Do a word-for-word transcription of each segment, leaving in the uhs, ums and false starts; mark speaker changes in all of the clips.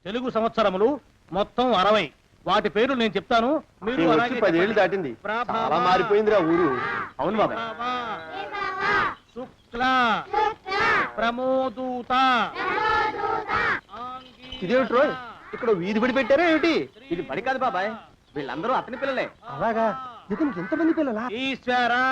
Speaker 1: తెలుగు సంవత్సరములు మొత్తం అరవై. వాటి పేర్లు నేను చెప్తాను, మీరు
Speaker 2: పదేళ్ళు దాటింది, చాలా మారిపోయిందిరా ఊరు. అవును బాబాయ్.
Speaker 1: శుక్ల, ప్రమోదూత.
Speaker 2: ఇదేమిటి రోయ్, ఇక్కడ వీధి బడి పెట్టారా ఏమిటి?
Speaker 3: ఇది బడి కాదు బాబాయ్, వీళ్ళందరూ అతని పిల్లలే.
Speaker 2: అలాగా, ఇతనికి ఎంతమంది పిల్లలా?
Speaker 1: ఈశ్వరా.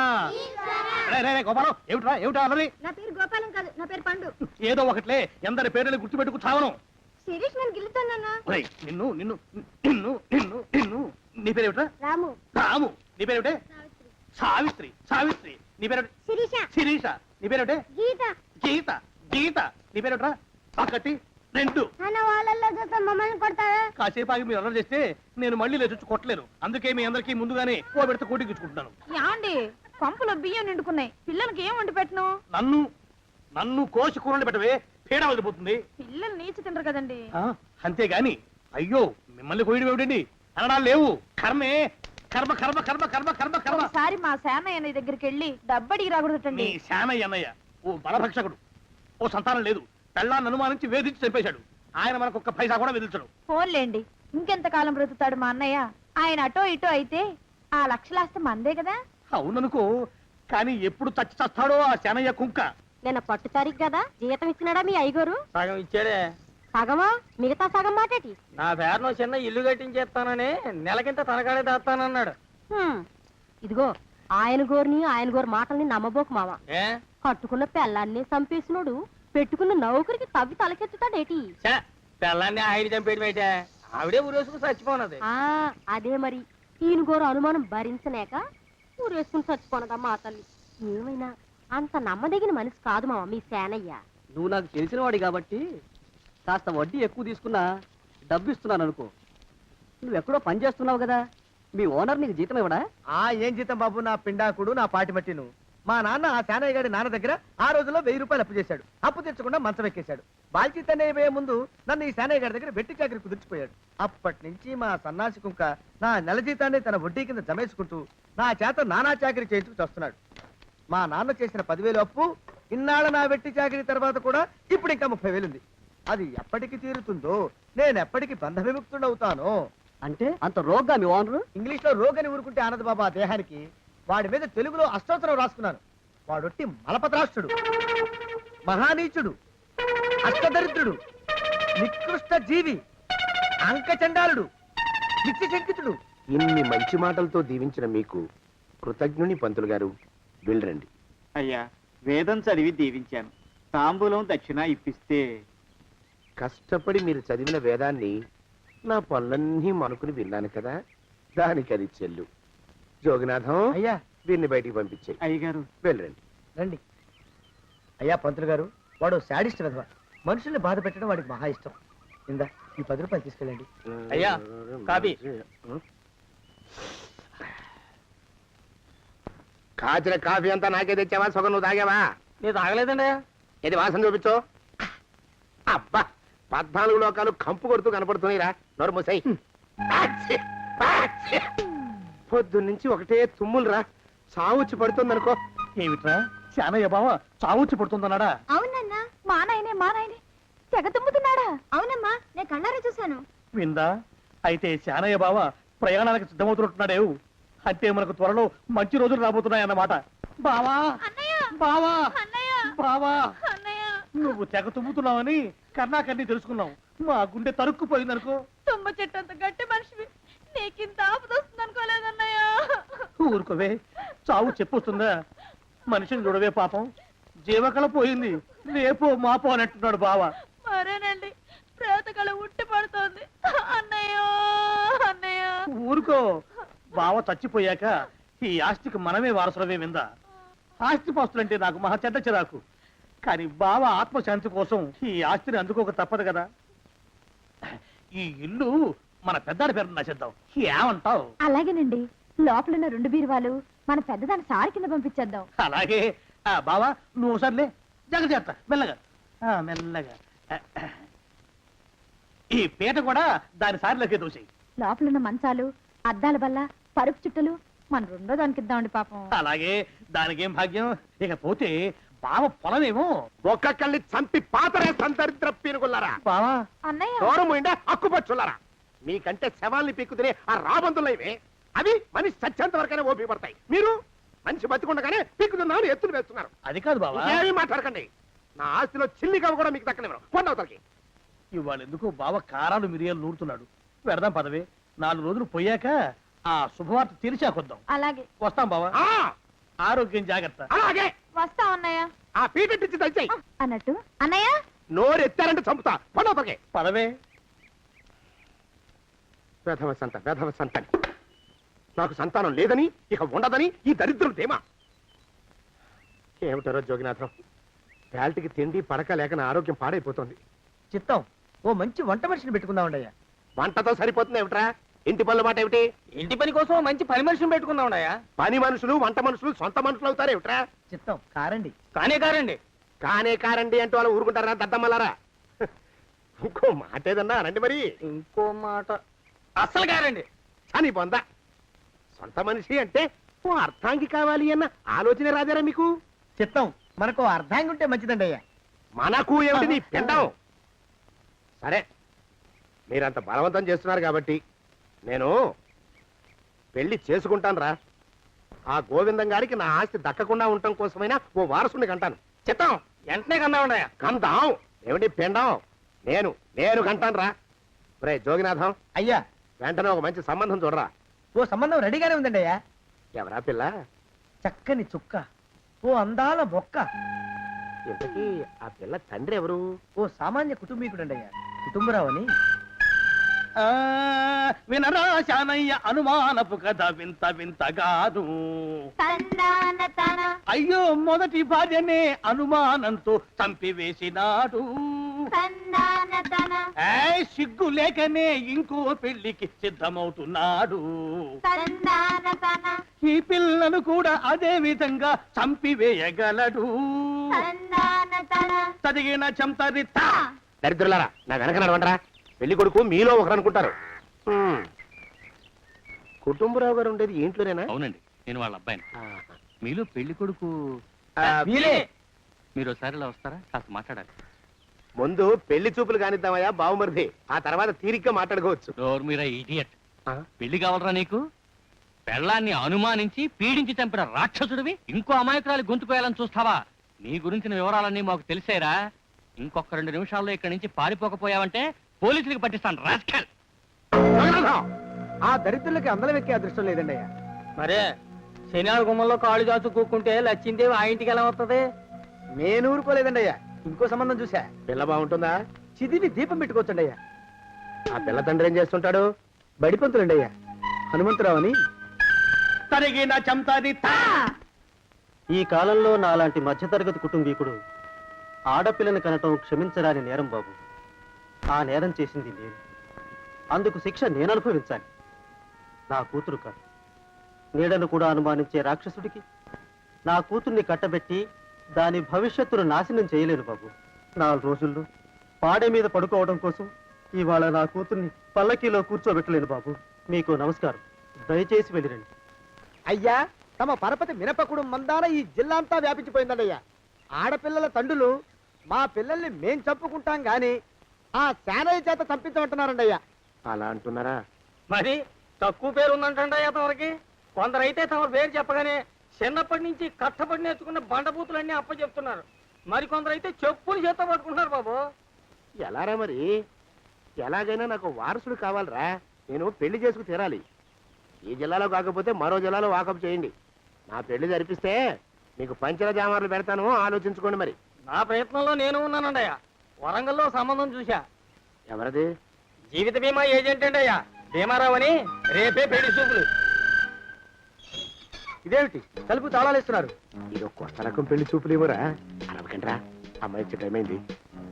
Speaker 1: గోపాలం, ఏమిట్రా ఏమిటా అన్నది?
Speaker 4: నా పేరు గోపాలం కాదు, నా పేరు పండు.
Speaker 1: ఏదో ఒకట్లే, ఎందరి పేర్లు గుర్తుపెట్టుకు చావను.
Speaker 4: శిరీష్ నన్ను గిల్లుతానన్నా.
Speaker 1: నిన్ను నిన్ను నిన్ను నిన్ను నిన్ను నీ పేరేమిట్రా?
Speaker 4: రాము.
Speaker 1: రాము. నీ పేరేమిటే? సావిత్రి. సావిత్రి. నీ పేరేమిటి?
Speaker 4: శిరీష.
Speaker 1: శిరీష. నీ పేరేమిటే?
Speaker 4: గీత.
Speaker 1: గీత. గీత. నీ పేరేమిట్రా? ఒకటి రెండు.
Speaker 4: అన్న వాళ్ళల్లో చూస్తే మమ్మల్ని కొడతావా?
Speaker 1: కాసేపు ఆగి మీరు అల్లరి చేస్తే నేను మళ్ళీ లేచొచ్చి కొట్టలేను. అందుకే మీ అందరికీ ముందుగానే ఓ పెడితే కోటికిచ్చుకుంటున్నాను.
Speaker 5: యాండి పంపులో బియ్యం నిండుకున్నాయి, పిల్లలకి ఏం వండి పెట్టను?
Speaker 1: నన్ను నన్ను కోసి కూరలు పెట్టవే, పీడ వదిలిపోతుంది.
Speaker 5: పిల్లలు నీచి తినరు కదండి.
Speaker 1: అంతేగాని అయ్యో మిమ్మల్ని కోయడం ఏమిటండి, అనడాలు లేవు. కర్మే, కర్మ కర్మ కర్మ కర్మ కర్మ కర్మ.
Speaker 5: ఒకసారి మా శానయ్య దగ్గరికి వెళ్ళి డబ్బడికి రాకూడదటండి.
Speaker 1: నీ శానయ్య అన్నయ్య ఓ బలభక్షకుడు, ఓ సంతానం లేదు, పెళ్ళాన్ని అనుమానించి వేధించి చంపేశాడు. ఆయన మనకు ఒక్క పైసా కూడా విధించడు.
Speaker 5: ఫోన్లేండి, ఇంకెంత కాలం బ్రతుకుతాడు మా అన్నయ్య? ఆయన అటో ఇటో అయితే ఆ లక్షలాస్తి మందే కదా.
Speaker 1: అవుననుకో, కానీ ఎప్పుడు చచ్చి చస్తాడో ఆ శానయ్య కుంక.
Speaker 4: నేను పట్టు తారీఖు కదా, జీతం ఇచ్చినాడా మీ అయ్యగారు?
Speaker 3: సగం ఇచ్చాడే.
Speaker 4: సగమా? మిగతా సగం మాటేటి?
Speaker 3: నా పేరును చిన్న ఇల్లు కట్టించేస్తానని నెలకింత తనకాడే దాస్తానన్నాడు.
Speaker 4: ఇదిగో, ఆయన గోరిని ఆయన గోరు మాటల్ని నమ్మబోకు మామ.
Speaker 3: ఏ
Speaker 4: కట్టుకున్న పెళ్ళాన్ని చంపేసినోడు పెట్టుకున్న నౌకరికి తవ్వి తలకెత్తుతాడేటి?
Speaker 3: పిల్లాన్ని ఆయన చంపేయడం అయితే ఆవిడే ఊరేసుకుని చచ్చిపోనది.
Speaker 4: ఆ అదే మరి, ఈయన గోరు అనుమానం భరించలేక ఊరేసుకుని చచ్చిపోనదా మా తల్లి. ఏమైనా అంత నమ్మదగిన మనిషి కాదు మామ మీ సేనయ్య.
Speaker 3: నువ్వు నాకు తెలిసిన వాడి కాబట్టి కాస్త వడ్డీ ఎక్కువ తీసుకున్నా డబ్బు ఇస్తున్నాను అనుకో. నువ్వు ఎక్కడో పని చేస్తున్నావు కదా, మీ ఓనర్ నీకు జీతం ఇవ్వడా?
Speaker 2: ఆ ఏం జీతం బాబు, నా పిండాకుడు నా పాటి మట్టిను. మా నాన్న ఆ శానయ్య గారి నాన్న దగ్గర ఆ రోజుల్లో వెయ్యి రూపాయలు అప్పు చేశాడు. అప్పు తెచ్చకుండా మంచం ఎక్కేశాడు. బాల్చితనే అయిపోయే ముందు నన్ను ఈ శానయ్య గారి దగ్గర వెట్టి చాకరి కుదిర్చిపోయాడు. అప్పటి నుంచి మా సన్నాసి కుంక నా నెల జీతాన్ని తన వడ్డీ కింద జమేసుకుంటూ నా చేత నానా చాకరీ చేయించుకు వస్తున్నాడు. మా నాన్న చేసిన పదివేలు అప్పు ఇన్నాళ్ళ నా వెట్టి చాకరీ తర్వాత కూడా ఇప్పుడు ఇంకా ముప్పై వేలుంది. అది ఎప్పటికి తీరుతుందో, నేను ఎప్పటికి బంధ విముక్తుడవుతానో.
Speaker 3: అంటే అంత రోగ్గా మీ ఓనరు?
Speaker 2: ఇంగ్లీష్ లో రోగని ఊరుకుంటే ఆనంద్ బాబా దేహానికి, వాడి మీద తెలుగులో అష్టోత్తరం రాసుకున్నాను. వాడొట్టి మలపత్రాష్ట్రుడు, మహానీచుడు, అష్టదరిద్రుడు, నికృష్ట జీవి, అంకచండాలుడు, నిత్య శంకితుడు.
Speaker 6: ఇన్ని మంచి మాటలతో దీవించిన మీకు కృతజ్ఞుని పంతులు గారు. వెళ్ళరండి.
Speaker 7: అయ్యా, వేదం చదివి దీవించాను, తాంబూలం దక్షిణ ఇప్పిస్తే.
Speaker 6: కష్టపడి మీరు చదివిన వేదాన్ని నా పనులన్నీ మనుకుని విన్నాను కదా, దానికి అది చెల్లు. జోగినాథం,
Speaker 2: అయ్యా
Speaker 6: వీరిని బయటికి పంపించే.
Speaker 7: అయ్యగారు
Speaker 6: వెళ్ళరండి.
Speaker 2: రండి. అయ్యా పంతులు గారు, వాడు శాడిస్ట్ విధవ, మనుషుల్ని బాధ పెట్టడం వాడికి మహా ఇష్టం. ఇందా ఈ పది రూపాయలు తీసుకెళ్ళండి.
Speaker 3: అయ్యా, కాపీ.
Speaker 6: కాచిన కాఫీ అంతా నాకే తెచ్చావా? సగం నువ్వు తాగావా?
Speaker 3: నేను తాగలేదండి.
Speaker 6: ఇది వాసన చూపించు. అబ్బా, పద్నాలుగు లోకాలు కంపు కొడుతూ కనపడుతున్నాయిరా. నోరు మూసాయి. పొద్దున్నుంచి ఒకటే తుమ్ములురా, సావుచ్చి పడుతుంది అనుకో.
Speaker 1: ఏమిట్రా శానయ్య బావ చావుచ్చి పడుతుందన్నాడా?
Speaker 4: అవునన్నా.
Speaker 5: మా నాయనే మా నాయనే తెగ తుమ్ముతున్నాడా?
Speaker 4: అవునమ్మా, నేను కళ్ళారా చూశాను.
Speaker 1: విందా? అయితే శానయ్య బావ ప్రయాణానికి సిద్ధమవుతున్నట్టున్నాడేవు. అంటే మనకు త్వరలో మంచి రోజులు రాబోతున్నాయన్నమాట. బావా బావా బావా, నువ్వు తెగ తుమ్ముతున్నావని కర్ణాకర్ణి తెలుసుకున్నావు. మా గుండె తరుక్కుపోయిందనుకో.
Speaker 5: తుమ్మ చెట్టు అంత గట్టి మనిషివి, నీకింత ఆపద వస్తుంది అనుకోలేదన్నయ్య.
Speaker 1: ఊరుకోవే, చావు చెప్పొస్తుందా? మనిషిని చూడవే పాపం, జీవకళ పోయింది, రేపో మాపో అని అంటున్నాడు బావ.
Speaker 5: మరేనండి, ప్రేతకళ ఉట్టి పడుతోంది అన్నయ్య. అన్నయ్య
Speaker 1: ఊరుకో, బావ చచ్చిపోయాక ఈ ఆస్తికి మనమే వారసులమే. విందా? ఆస్తి పాస్తులంటే నాకు మహా చెడ్డ చిరాకు, కానీ బావ ఆత్మశాంతి కోసం ఈ ఆస్తిని అందుకోక తప్పదు కదా. ఈ ఇల్లు మన పెద్దాడి పేరు నచ్చేద్దాం, ఏమంటావు?
Speaker 5: అలాగేనండి, లోపలున్న రెండు బీరువాలు మన పెద్దదాన్ని సారి కింద పంపించేద్దాం.
Speaker 1: అలాగే. ఆ బావా, నువ్వు సర్లే, జాగ్రత్త, మెల్లగా ఆ, మెల్లగా. ఈ పీట కూడా దాని సారిలోకే దూసేయి.
Speaker 5: లోపలున్న మంచాలు, అద్దాల బల్ల, పరుపు చుట్టలు మన రెండో దానికి ఇద్దామండి పాపం.
Speaker 1: అలాగే, దానికేం భాగ్యం. ఇక పోతే బావ పొలమేమో.
Speaker 6: ఒక్కొక్కల్ని చంపి పాతరేస్తాను దరిద్ర పీనుకున్నారా.
Speaker 1: బావా
Speaker 5: అన్నయ్య
Speaker 6: దూరం ఉండే హక్కుపచ్చులారా. మీకంటే శవాల్ని పీక్కుతినే ఆ రాబందులు ఇవే. అవి మనిషి చచ్చేంత వరకైనా ఓపిక పడతాయి. మీరు మనిషి బతికుండగానే పీక్కుతున్నామని ఎత్తులు వేస్తున్నారు.
Speaker 1: అది కాదు బావా,
Speaker 6: ఏమీ మాట్లాడకండి. నా ఆస్తిలో చిల్లి కవ్వ కూడా మీకు దక్కనివ్వరు. కొండవతలకి.
Speaker 1: ఇవాళ ఎందుకో బావ కారాలు మిరియాలు నూరుతున్నాడు. పెడదాం పదవే, నాలుగు రోజులు పోయాక ఆ శుభవార్త తీర్చాకొద్దాం.
Speaker 5: అలాగే
Speaker 1: వస్తాం బావా.
Speaker 6: ఆ,
Speaker 1: ఆరోగ్యం జాగ్రత్త.
Speaker 6: అలాగే.
Speaker 5: వస్తా అన్నయ్య.
Speaker 6: ఆ పీటెట్టించి దయచేయి.
Speaker 5: అన్నట్టు అన్నయ్య
Speaker 6: నోరు ఎత్తారంటే చంపుతా. కొండవతలకి.
Speaker 1: పదవే.
Speaker 6: వేధవ సంత వేధవ సంతని. నాకు సంతానం లేదని ఇక ఉండదని ఈ దరిద్రులు ధీమా. ఏమిటారో జోగినాథం, వేల్టికి తిండి పడక లేక నా ఆరోగ్యం పాడైపోతుంది.
Speaker 2: చిత్తం ఓ మంచి వంట మనిషిని పెట్టుకుందామండయ్యా.
Speaker 6: వంటతో సరిపోతుంది ఏమిట్రా? ఇంటి పనుల మాట ఏమిటి?
Speaker 3: ఇంటి పని కోసం మంచి పని మనిషిని పెట్టుకుందామయ్యా.
Speaker 6: పని మనుషులు వంట మనుషులు సొంత మనుషులు అవుతారు ఏమిట్రా?
Speaker 2: చిత్తం కారండి.
Speaker 3: కానే కారండి.
Speaker 6: కానే కారండి అంటూ వాళ్ళు ఊరుకుంటారా దద్దమ్మలారా? ఇంకో మాట ఏదన్నా రండి మరి.
Speaker 3: ఇంకో మాట అస్సలు కారండి.
Speaker 6: అని పొందా. సొంత మనిషి అంటే ఓ అర్థాంగి కావాలి అన్న ఆలోచన రాదారా మీకు?
Speaker 2: చిత్తం మనకు అర్ధాంగి ఉంటే మంచిదండి అయ్యా.
Speaker 6: మనకు ఏమిటి నీ పిండం? సరే, మీరంత బలవంతం చేస్తున్నారు కాబట్టి నేను పెళ్లి చేసుకుంటాను రా. ఆ గోవిందం గారికి నా ఆస్తి దక్కకుండా ఉండటం కోసమైనా ఓ వారసుని కంటాను.
Speaker 3: చిత్తం వెంటనే కన్నా ఉన్నాయా?
Speaker 6: కంటాం ఏమిటి పిండం? నేను నేను కంటాను రా. రే జోగినాథం,
Speaker 2: అయ్యా
Speaker 6: వెంటనే ఒక మంచి సంబంధం చూడరా.
Speaker 2: ఓ సంబంధం రెడీగానే ఉందండి అయ్యా.
Speaker 6: ఎవరా పిల్ల?
Speaker 2: చక్కని చుక్క, ఓ అందాల మొక్క,
Speaker 6: ఇంతకీ ఆ పిల్ల తండ్రి ఎవరు?
Speaker 2: ఓ సామాన్య కుటుంబీకుడండి అయ్యా. కుటుంబరావు అని.
Speaker 1: ఆ, వినరా శానయ్య అనుమానపు కథ వింత వింతగాను. అయ్యో మొదటి భార్యనే అనుమానంతో చంపివేసినాడు. ఏయ్, సిగ్గు లేకనే ఇంకో పెళ్లికి సిద్ధమవుతున్నాడు. ఈ పిల్లను కూడా అదే విధంగా చంపివేయగలడు. చదివిన చంతరిత.
Speaker 6: దరిద్రులారా, నా వెనక నడవంటరా. పెళ్లి కొడుకు మీలో ఒకరు అనుకుంటారు. హ్మ్. కుటుంబరావు గారు ఉండేది ఇంట్లోనేనా?
Speaker 8: అవునండి, నేను వాళ్ళ అబ్బాయిని.
Speaker 6: ఆహా.
Speaker 8: మీలో పెళ్లి కొడుకు
Speaker 6: ఆ,
Speaker 2: వీలే.
Speaker 8: మీరు ఒకసారి ఇలా వస్తారా? కాస్త మాట్లాడాలి.
Speaker 6: ముందు పెళ్లి చూపులు కానిద్దామయ్యా బావుమరిది. ఆ తర్వాత తీరిగ్గా మాట్లాడుకోవచ్చు.
Speaker 8: డోర్ మీరా ఇడియట్.
Speaker 6: ఆ?
Speaker 8: పెళ్లి కావాలరా నీకు? పెళ్ళాన్ని అనుమానించి పీడించి చంపిన రాక్షసుడివి ఇంకో అమాయకురాలి గొంతుకోయాలని చూస్తావా? నీ గురించిన వివరాలన్నీ మాకు తెలిసేరా. ఇంకొక రెండు నిమిషాల్లో ఇక్కడి నుంచి పారిపోకపోయావంటే పోలీసులకు పట్టిస్తాను. రాస్కల్.
Speaker 6: జగన్నాథం!
Speaker 2: ఆ దరిద్రులకి అందలం ఎక్కే అదృష్టం లేదండి అయ్యా.
Speaker 3: మరే శనివారం గుమ్మంలో కాళ్ళు చాచు కూకుంటే లచ్చిందేవి ఆ ఇంటికి ఎలా వస్తుంది?
Speaker 2: నేను ఊరుకోలేదండి అయ్యా. ఇంకో సంబంధం చూసా.
Speaker 6: పిల్ల బాగుంటుందా?
Speaker 2: చిదివి దీపం పెట్టుకోవచ్చండి అయ్యా.
Speaker 6: ఆ పిల్ల తండ్రి ఏం చేస్తుంటాడు?
Speaker 2: బడిపంతులండి అయ్యా. హనుమంతరావు అని.
Speaker 1: తరిగిన చంతరిత.
Speaker 3: ఈ కాలంలో నాలాంటి మధ్యతరగతి కుటుంబీకుడు ఆడపిల్లని కనటం క్షమించరాని నేరం బాబు. ఆ నేరం చేసింది నేను. అందుకు శిక్ష నేను అనుభవించాలి. నా కూతురు కాదు, నీడను కూడా అనుమానించే రాక్షసుడికి నా కూతుర్ని కట్టబెట్టి దాని భవిష్యత్తును నాశనం చేయలేను బాబు. నాలుగు రోజుల్లో పాడే మీద పడుకోవడం కోసం ఇవాళ నా కూతుర్ని పల్లకీలో కూర్చోబెట్టలేను బాబు. మీకు నమస్కారం, దయచేసి వెళ్ళిరండి.
Speaker 2: అయ్యా, తమ పరపతి మినపకుడు మందాన ఈ జిల్లా అంతా వ్యాపించిపోయిందండి అయ్యా. ఆడపిల్లల తండ్రులు మా పిల్లల్ని మేం చంపుకుంటాం గాని ఆ శానయ్య చేత చంపించమంటున్నారండి అయ్యా.
Speaker 6: అలా అంటున్నారా?
Speaker 3: మరి తక్కువ పేరు ఉందంటే తమరికి. కొందరైతే తమ పేరు చెప్పగానే చిన్నప్పటి నుంచి కష్టపడి నేర్చుకున్న బండబూతులన్నీ అప్పచెప్తున్నారు. మరి కొందరైతే చెప్పులు చేత పట్టుకుంటున్నారు బాబు.
Speaker 6: ఎలారా మరి? ఎలాగైనా నాకు వారసుడు కావాలరా. నేను పెళ్లి చేసుకు తీరాలి. ఈ జిల్లాలో కాకపోతే మరో జిల్లాలో వాకప్ చేయండి. నా పెళ్లి జరిపిస్తే మీకు పంచల జామార్లు పెడతాను, ఆలోచించుకోండి మరి.
Speaker 3: నా ప్రయత్నంలో నేను ఉన్నానండి అయ్యా. వరంగల్లో సంబంధం చూశా.
Speaker 6: ఎవరది?
Speaker 3: జీవిత బీమా ఏజెంట్ అండి అయ్యా, భీమారావు అని. రేపే పెళ్లి చూపులు.
Speaker 2: ఇదేమిటి తలుపు తాళాలు ఇస్తున్నారు?
Speaker 6: ఇది ఒక కొత్త రకం పెళ్లి చూపులు ఇవ్వరా? అరవకండ్రా, అమ్మాయి వచ్చే టైం అయింది.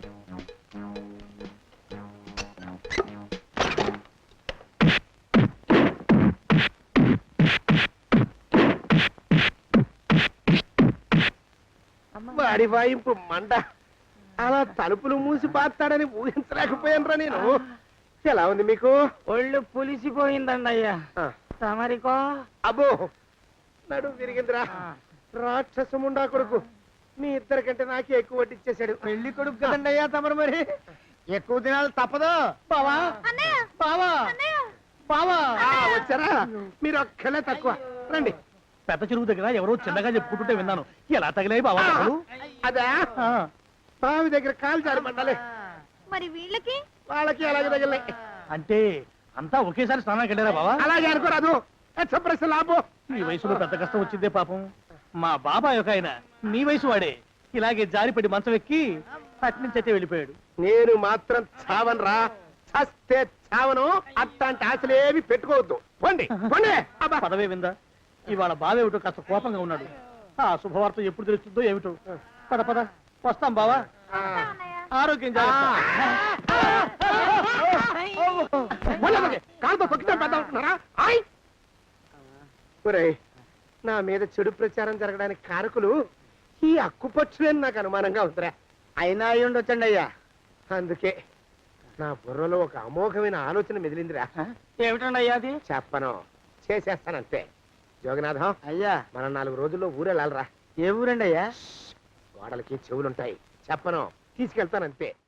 Speaker 6: వాడి వాయింపు మండ. అలా తలుపులు మూసి పాతాడని ఊహించలేకపోయానురా నేను. ఎలా ఉంది మీకు?
Speaker 3: ఒళ్ళు పులిసిపోయిందండి అయ్యా.
Speaker 6: ఆ,
Speaker 3: తమరికో?
Speaker 6: అబ్బో, నడు విరిగిందిరా. రాక్షసముండా కొడుకు. మీ ఇద్దరికంటే నాకే ఎక్కువ వడ్డిచ్చేశాడు.
Speaker 2: పెళ్లి కొడుకు కదండి అయ్యా తమరు, మరి ఎక్కువ దినాలు తప్పదు.
Speaker 1: బావా బావా బావా
Speaker 6: ఆ, వచ్చారా? మీరు ఒక్కలే తక్కువ. రండి.
Speaker 1: పెద్ద చెరువు దగ్గర ఎవరో చిన్నగా చెప్పుకుంటుంటే విన్నాను. ఎలా తగిలాయి బావా దెబ్బలు?
Speaker 6: అదే
Speaker 1: ఆ,
Speaker 6: బావి దగ్గర కాలు జారి పడ్డాలే.
Speaker 5: మరి వీళ్ళకి
Speaker 6: వాళ్ళకి అలాగే తగిలే.
Speaker 1: అంటే అంతా ఒకేసారి స్నానానికి వెళ్ళారా బావా?
Speaker 6: అలాగే అనుకోరాదు. ప్రశ్న లాభం.
Speaker 1: ఈ వయసులో పెద్ద కష్టం వచ్చిందే పాపం. మా బాబాయ్ ఒక ఆయన నీ వయసు వాడే ఇలాగే జారిపడి మంచం ఎక్కి అట్నుంచి అయితే వెళ్ళిపోయాడు.
Speaker 6: నేను మాత్రం చావను రా. చస్తే చావను. అట్లాంటి ఆశలేవి పెట్టుకోవద్దు. పోండి పోండి. అబ్బా.
Speaker 1: పదవే విందా, ఇవాళ బావేమిటో కాస్త కోపంగా ఉన్నాడు. ఆ శుభవార్త ఎప్పుడు తెలుస్తుందో ఏమిటో. పద పద వస్తాం బావా.
Speaker 6: ఆ.
Speaker 1: ఆరోగ్యం జాగ్రత్త.
Speaker 6: మొదలకి కాలుతో తొక్కితే పెద్ద అవుతున్నారా? ఆయ్. ఒరేయ్, నా మీద చెడు ప్రచారం జరగడానికి కారకులు ఈ అక్కుపచ్చులని నాకు అనుమానంగా ఉందిరా.
Speaker 2: అయినా అయి ఉండొచ్చండి అయ్యా.
Speaker 6: అందుకే నా బుర్రలో ఒక అమోఘమైన ఆలోచన మెదిలిందిరా.
Speaker 2: ఏమిటండి అయ్యా అది?
Speaker 6: చెప్పను, చేసేస్తానంతే. జోగనాథం,
Speaker 2: అయ్యా
Speaker 6: మనం నాలుగు రోజుల్లో ఊరెళ్ళాలరా.
Speaker 2: ఏ ఊరండి అయ్యా?
Speaker 6: గోడలకి చెవులుంటాయి. చెప్పను, తీసుకెళ్తానంతే.